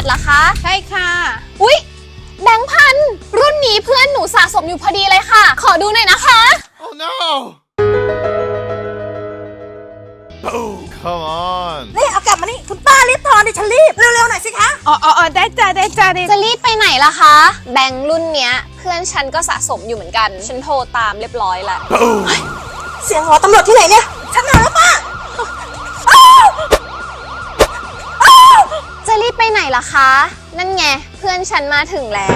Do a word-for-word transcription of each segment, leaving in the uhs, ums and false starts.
เหรอคะใช่ค่ะอุ๊ยแบงค์พันรุ่นนี้เพื่อนหนูสะสมอยู่พอดีเลยค่ะขอดูหน่อยนะคะ Oh no! Oh, come on. นี่เอากลับมานี่คุณป้ารีบทอนดิฉันรีบเร็วๆหน่อยสิคะอ๋ออ๋อได้จ้าได้จ้าได้จะรีบไปไหนล่ะคะแบงค์รุ่นเนี้ยเพื่อนฉันก็สะสมอยู่เหมือนกันฉันโทรตามเรียบร้อยแล้วเสียงหอตำรวจที่ไหนเนี่ยฉันมาแล้วป้าจะรีบไปไหนล่ะคะนั่นไงเพื่อนฉันมาถึงแล้ว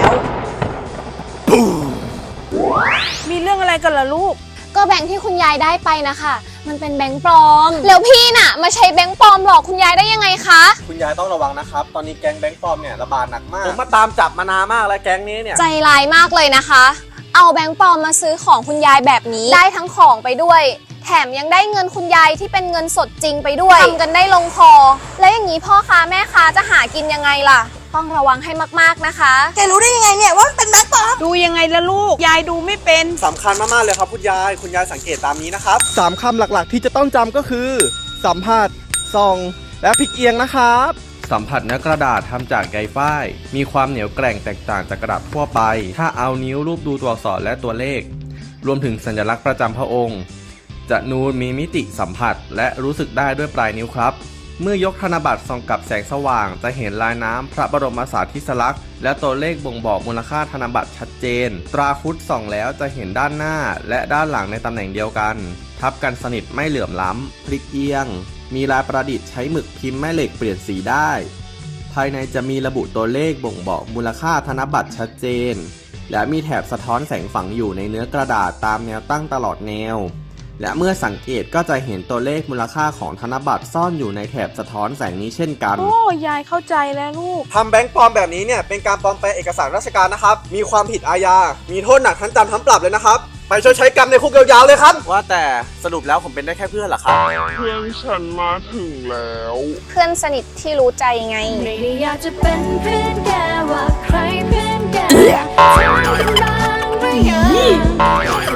มีเรื่องอะไรกันล่ะลูกก็แบงค์ที่คุณยายได้ไปนะคะมันเป็นแบงค์ปลอมแล้วพี่น่ะมาใช้แบงค์ปลอมหลอกคุณยายได้ยังไงคะคุณยายต้องระวังนะครับ ตอนนี้แก๊งแบงค์ปลอมเนี่ยระบาดหนักมาก ผมมาตามจับมานานมากแล้วแก๊งนี้เนี่ยใจร้ายมากเลยนะคะ เอาแบงค์ปลอมมาซื้อของคุณยายแบบนี้ได้ทั้งของไปด้วยแถมยังได้เงินคุณยายที่เป็นเงินสดจริงไปด้วยทำกันได้ลงคอแล้วอย่างนี้พ่อค้าแม่ค้าจะหากินยังไงล่ะต้องระวังให้มากๆนะคะแกรู้ได้ยังไงเนี่ยว่ามันเป็นแบงค์ปลอมดูยังไงล่ะลูก ยายดูไม่เป็นสำคัญมากๆเลยครับคุณยาย คุณยายสังเกตตามนี้นะครับสามคำหลักๆที่จะต้องจำก็คือ สัมผัสส่องและพลิกเอียงนะครับ สัมผัสเนื้อกระดาษทำจากใยฝ้ายมีความเหนียวแกร่งแตกต่างจากกระดาษทั่วไปถ้าเอานิ้วรูปดูตัวอักษรและตัวเลขรวมถึงสัญลักษณ์ประจำพระองค์จะนูนมีมิติสัมผัสและรู้สึกได้ด้วยปลายนิ้วครับเมื่อยกธนบัตรส่องกับแสงสว่างจะเห็นลายน้ำพระบรมสารีริกลักษณ์และตัวเลขบ่งบอกมูลค่าธนบัตรชัดเจนตราคุดส่องแล้วจะเห็นด้านหน้าและด้านหลังในตำแหน่งเดียวกันทับกันสนิทไม่เหลื่อมล้ำพลิกเอียงมีลายประดิษฐ์ใช้หมึกพิมพ์แม่เหล็กเปลี่ยนสีได้ภายในจะมีระบุตัวเลขบ่งบอกมูลค่าธนบัตรชัดเจนและมีแถบสะท้อนแสงฝังอยู่ในเนื้อกระดาษตามแนวตั้งตลอดแนวและเมื่อสังเกตก็จะเห็นตัวเลขมูลค่าของธนบัตรซ่อนอยู่ในแถบสะท้อนแสงนี้เช่นกันโอ้ยายเข้าใจแล้วลูกทำแบงค์ปลอมแบบนี้เนี่ยเป็นการปลอมแปลงเอกสารราชการนะครับมีความผิดอาญามีโทษหนักทั้งจำทั้งปรับเลยนะครับไปชดใช้กรรมในคุกยาวๆเลยครับว่าแต่สรุปแล้วผมเป็นได้แค่เพื่อนเหรอครับเพื่อนฉันมาถึงแล้วเพื่อนสนิทที่รู้ใจไงไม่ได้อยากจะเป็นเพื่อนแกว่าใครเพื่อนแกจะมีกันบ้างหรือยัง